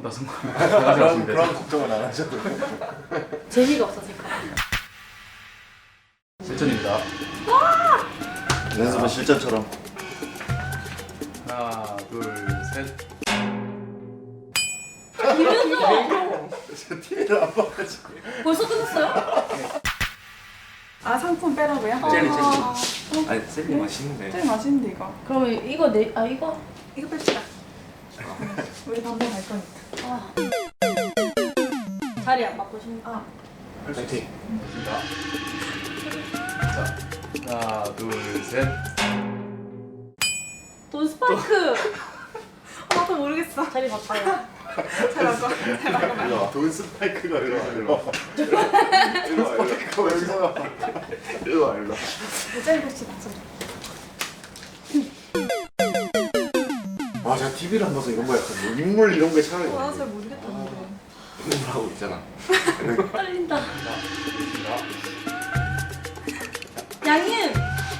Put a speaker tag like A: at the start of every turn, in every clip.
A: 성공했다 성공.
B: 그런 걱정은 안 하셔도 돼요.
C: 재미가 없어질까 봐.
A: 실전입니다.
B: 연습은 실전처럼.
A: 하나 둘 셋.
C: 이면서
B: TV를 안 봐가지고.
C: 벌써 끝났어요?
D: 아 상품 빼라고요?
E: 젤리
C: 아,
E: 아니 젤리 맛있는데.
D: 제일 맛있는데 이거.
C: 그러면 이거 이거 뺍시다.
D: 우리 반반 갈 거니까.
C: 아. 자리 안 바꾸십니까?
D: 아.
E: 파이팅.
A: 좋습니다. 자 하나 둘 셋.
C: 돈 스파이크.
D: 나도 모르겠어.
C: 자리 바꿔요.
D: 잘 바꿔. 잘 바꿔.
B: 일로 와. 돈 스파이크가 일로 와. 일로 와. 스파이크가 여기서 나와. 일로 와. 일로 와.
D: 젤리 봅시다. 젤리.
B: 와, 제가 TV를 안 봐서 이런 거 약간 뭐 인물 이런 게 차라리.
D: 와, 잘 모르겠다는데.
E: 하고 있잖아.
C: 떨린다.
A: 좋습니다.
C: 양임.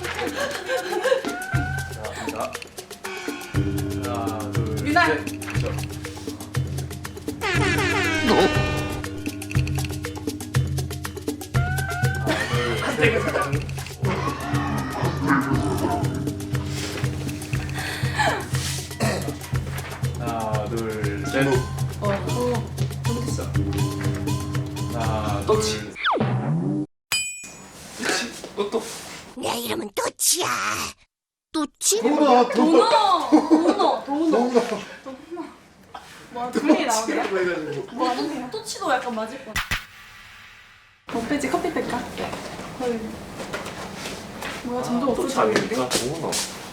A: 자 갑니다. 하나 둘
D: 유나.
A: 셋. 그렇죠. 하나 둘 셋.
C: 모르겠어.
A: 하나
E: 또치.
A: 둘.
E: 또.
F: 내 이름은 또치야. 또치?
B: 도나,
C: 도너.
D: 뭐 둘이 나오네요?
B: 해가지고.
D: 뭐 하는데요?
C: 또치도 약간 맞을 것 같아.
D: 뭐 빼지? 커피 뺄까? 헐. 뭐야 점점
E: 또치
D: 없어지는데?
E: 아닙니까? 도우너.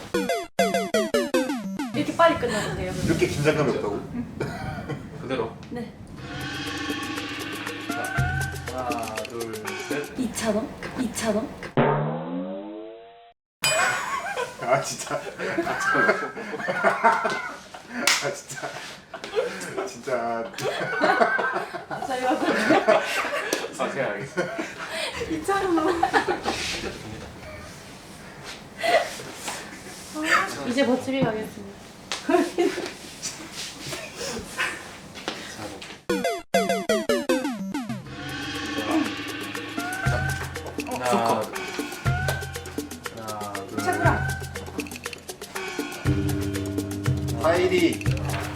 C: 이렇게 빨리 끝나도 돼요?
B: 이렇게 긴장감이 없다고?
A: 그대로.
C: 네.
A: 자 하나 둘 셋.
C: 2,000원? 2,000원?
B: 아, 진짜. 아, 진짜. 진짜.
C: 자리 바꿔.
E: 아 제가 알겠어.
D: 2,000원.
C: 이제 버티리 가겠습니다.
A: 하나 하나 둘.
D: 채구라.
B: 파이리.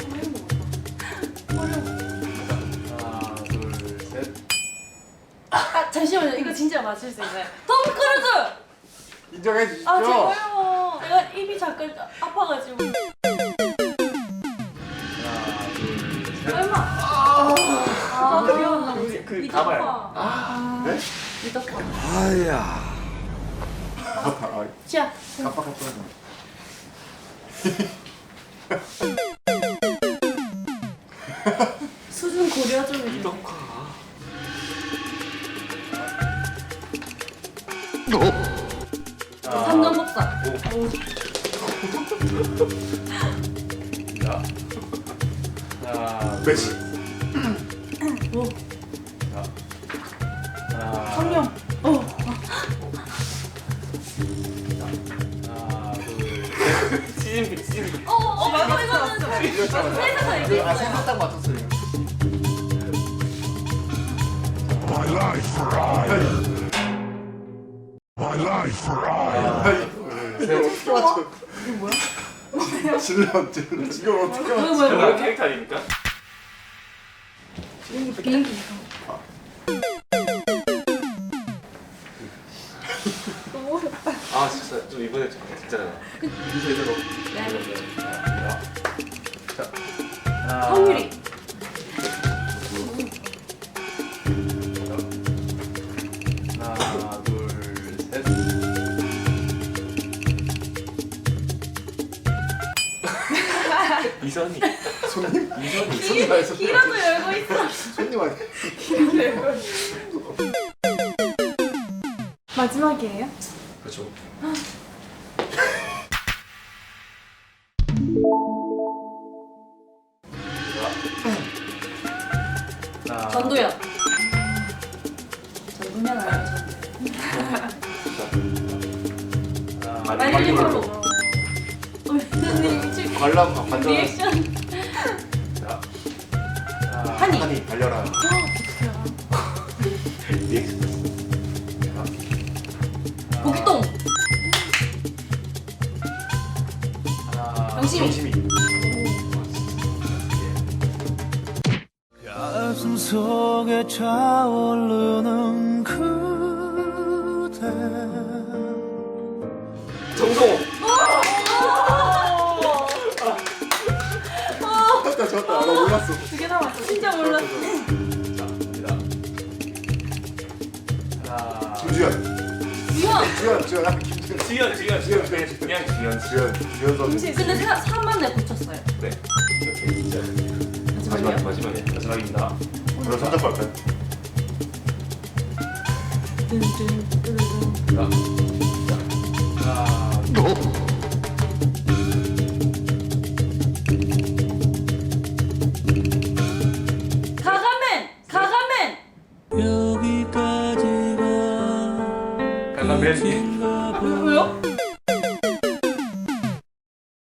A: 하나 둘 셋.
C: 아 잠시만요. 이거 진짜 맞출 수 있나요? 톰 크루즈!
B: 인정해 주시죠.
C: 아 제가요. 내가 입이 잠깐 아파가지고.
A: 하나 둘 셋.
C: 얼마? 아 귀여웠나 보지.
E: 그
C: 미덕화.
B: 아, 네?
C: 미덕화.
E: 아야.
B: 아,
C: 자.
B: 깜빡깜빡하네.
C: 수준 고려 좀 해주세요.
E: 이덕화.
C: 삼전복사.
A: 자 하나
B: 메시.
C: 오.
A: 자 하나
D: 성룡.
A: 하나 둘
E: 시즌비.
C: 맞아 이거는 세상에 이제
B: 아, 생각 딱 맞췄어요.
G: My life for I. My life for I.
B: 어떻게 맞춰? 이게 뭐야? 질러. 이걸 어떻게 맞춰?
E: 뭐야 캐릭터 아닙니까?
C: 비행기.
E: 아 진짜 좀 이번에 진짜.
A: 이제 이대로. 자 하나
C: 성유리.
A: 하나 둘 셋.
E: 이선희.
B: 손님?
E: 이선희.
B: 손님 아니, 손님.
C: 길어도 열고 있어.
B: 손님 아니.
D: 마지막이에요?
E: 그렇죠.
A: 하나
C: 전도연. 전도연 아니야 전도연. 마릴린 monroe. 선생님 미칠.
B: 관람 관전.
C: 리액션.
A: 자
B: 산이 달려라.
C: 고기똥.
A: 하나.
C: 영심이.
B: 영심이.
H: 가슴 속에 차오르는 그대
E: 정성호.
B: 졌다. 나 몰랐어.
D: 두개 남았어.
C: 진짜 몰랐어.
A: 자, 갑니다. 하나.
B: 김주현.
C: 유형.
B: 주현. 김주현.
E: 지현. 그냥 지현.
B: 주현 선수.
C: 근데 3만 내 붙였어요.
E: 네. 이렇게 진짜
C: 마지막이요?
E: 마지막입니다.
B: 그럼 선택 할까요?
A: 자, 하나.
C: 가가맨.
H: 여기까지가
A: 강남맨.
C: 왜요?